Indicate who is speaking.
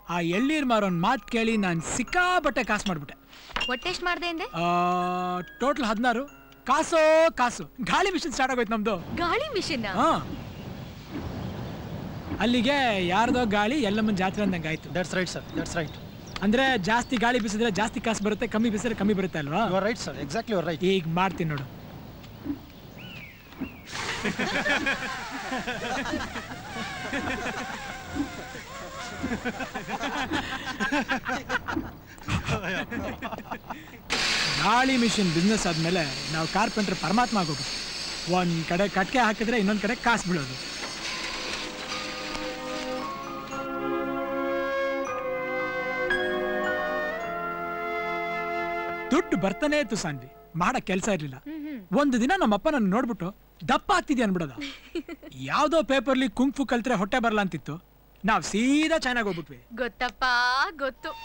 Speaker 1: ಆ ಎಳ್ಳೀರ್ ಮಾರೋನ್ ಮಾತು ಕೇಳಿ ನಾನು ಸಿಕ್ಕಾಬಟ್ಟೆ ಕಾಸು ಮಾಡ್ಬಿಟ್ಟೆ.
Speaker 2: ಒಟ್ಟೆ ಎಷ್ಟು ಮಾಡ್ದೆ ಅಂದೆ?
Speaker 1: ಟೋಟಲ್ 16. ಕಾಸು ಗಾಳಿ ಮಿಷನ್ ಸ್ಟಾರ್ಟ್ ಆಗೋಯ್ತು ನಮ್ದು.
Speaker 2: ಗಾಳಿ ಮಿಷನ್?
Speaker 1: ಹಾ, ಅಲ್ಲಿಗೆ ಯಾರ್ದೋ ಗಾಳಿ ಎಲ್ಲಮ್ಮನ ಜಾತ್ರೆ ಅಂದಂಗೆ ಆಯ್ತು.
Speaker 3: That's right sir, that's right.
Speaker 1: ಅಂದ್ರೆ ಜಾಸ್ತಿ ಗಾಳಿ ಬೀಸಿದ್ರೆ ಜಾಸ್ತಿ ಕಾಸು ಬರುತ್ತೆ, ಕಮ್ಮಿ ಬೀಸಿದ್ರೆ ಕಮ್ಮಿ ಬರುತ್ತೆ ಅಲ್ವಾ?
Speaker 3: You are right sir, exactly you are right.
Speaker 1: ಈಗ ಮಾಡ್ತೀನಿ ನೋಡು. ಗಾಳಿ ಮಿಷಿನ್ ಬಿಸ್ನೆಸ್ ಆದ್ಮೇಲೆ ನಾವು ಕಾರ್ಪೆಂಟರ್ ಪರಮಾತ್ಮ ಆಗೋದು. ಒಂದ್ ಕಡೆ ಕಟ್ಕೆ ಹಾಕಿದ್ರೆ ಇನ್ನೊಂದ್ ಕಡೆ ಕಾಸು ಬೀಳೋದು. ದುಡ್ಡು ಬರ್ತಾನೆ ಇತ್ತು ಸಾನ್ವಿ, ಮಾಡಕ್ ಕೆಲಸ ಇರ್ಲಿಲ್ಲ. ಒಂದು ದಿನ ನಮ್ಮಪ್ಪ ನನ್ನ ನೋಡ್ಬಿಟ್ಟು ದಪ್ಪ ಆಗ್ತಿದ್ಯಾ ಅನ್ಬಿಡೋದ. ಯಾವ್ದೋ ಪೇಪರ್ಲಿ ಕುಂಫು ಕಲ್ತ್ರೆ ಹೊಟ್ಟೆ ಬರಲ್ಲ ಅಂತಿತ್ತು. ನಾವ್ ಸೀದಾ ಚೈನಾಗ್ ಹೋಗ್ಬಿಟ್ವಿ.
Speaker 2: ಗೊತ್ತಪ್ಪ, ಗೊತ್ತು.